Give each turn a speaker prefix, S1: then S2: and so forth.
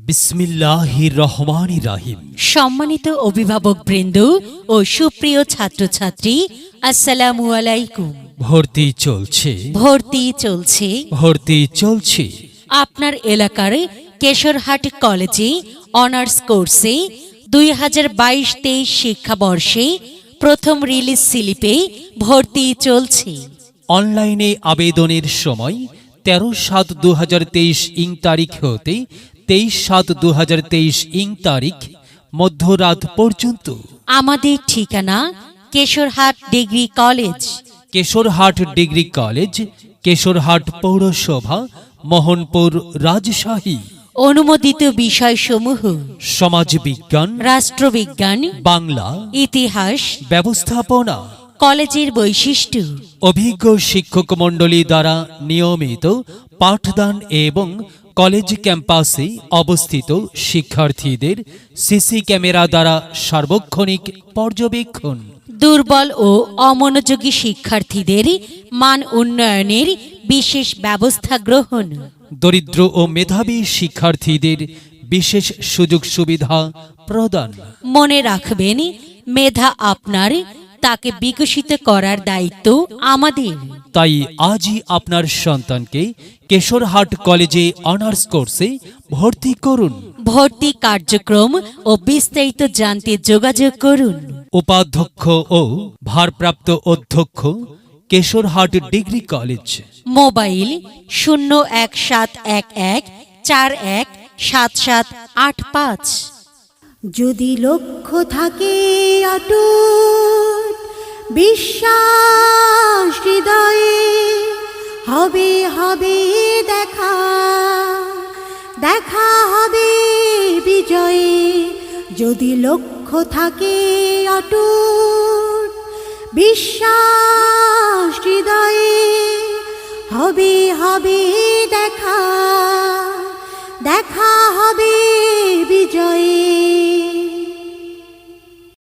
S1: বিসমিল্লাহির রহমানির রহিম।
S2: সম্মানিত অভিভাবক বৃন্দ ও সুপ্রিয় ছাত্রছাত্রী, আসসালামু আলাইকুম।
S1: ভর্তি চলছে, ভর্তি চলছে।
S2: আপনার এলাকার কেশরহাট কলেজে অনার্স কোর্সে 2022-23 শিক্ষাবর্ষে প্রথম রিলিজ স্লিপে ভর্তি চলছে।
S1: অনলাইনে আবেদনের সময় 13/7/2023 ইং তারিখ হতে 23/7/2023 ইং তারিখ মধ্যরাত পর্যন্ত।
S2: আমাদের ঠিকানা Keshorhat degree college,
S1: Keshorhat degree college, Keshorhat পৌরসভা, মোহনপুর, রাজশাহী।
S2: অনুমোদিত বিষয়সমূহ:
S1: সমাজবিজ্ঞান,
S2: রাষ্ট্রবিজ্ঞান,
S1: বাংলা,
S2: ইতিহাস।
S1: ব্যবস্থাপনা।
S2: কলেজের বৈশিষ্ট্য:
S1: অভিজ্ঞ শিক্ষক মণ্ডলী দ্বারা নিয়মিত পাঠদান এবং কলেজ ক্যাম্পাসে অবস্থিত শিক্ষার্থীদের সিসি ক্যামেরা দ্বারা সার্বক্ষণিক পর্যবেক্ষণ।
S2: দুর্বল ও অমনোযোগী শিক্ষার্থীদের মান উন্নয়নের বিশেষ ব্যবস্থা গ্রহণ।
S1: দরিদ্র ও মেধাবী শিক্ষার্থীদের বিশেষ সুযোগ সুবিধা প্রদান।
S2: মনে রাখবেন, মেধা আপনার, তাকে বিকশিত করার দায়িত্ব আমাদের।
S1: তাই আজই আপনার সন্তানকে কেশরহাট কলেজে অনার্স কোর্সে ভর্তি করুন।
S2: ভর্তি কার্যক্রম ও বিস্তারিত জানতে যোগাযোগ করুন।
S1: উপাধ্যক্ষ ও ভারপ্রাপ্ত অধ্যক্ষ, কেশরহাট ডিগ্রি কলেজ।
S2: মোবাইল 01711417785।
S3: যদি লক্ষ্য থাকে অটুট বিশ্বাস হৃদয়ে, হবে হবে দেখা, দেখা হবে বিজয়ে। যদি লক্ষ্য থাকে অটুট বিশ্বাস হৃদয়ে,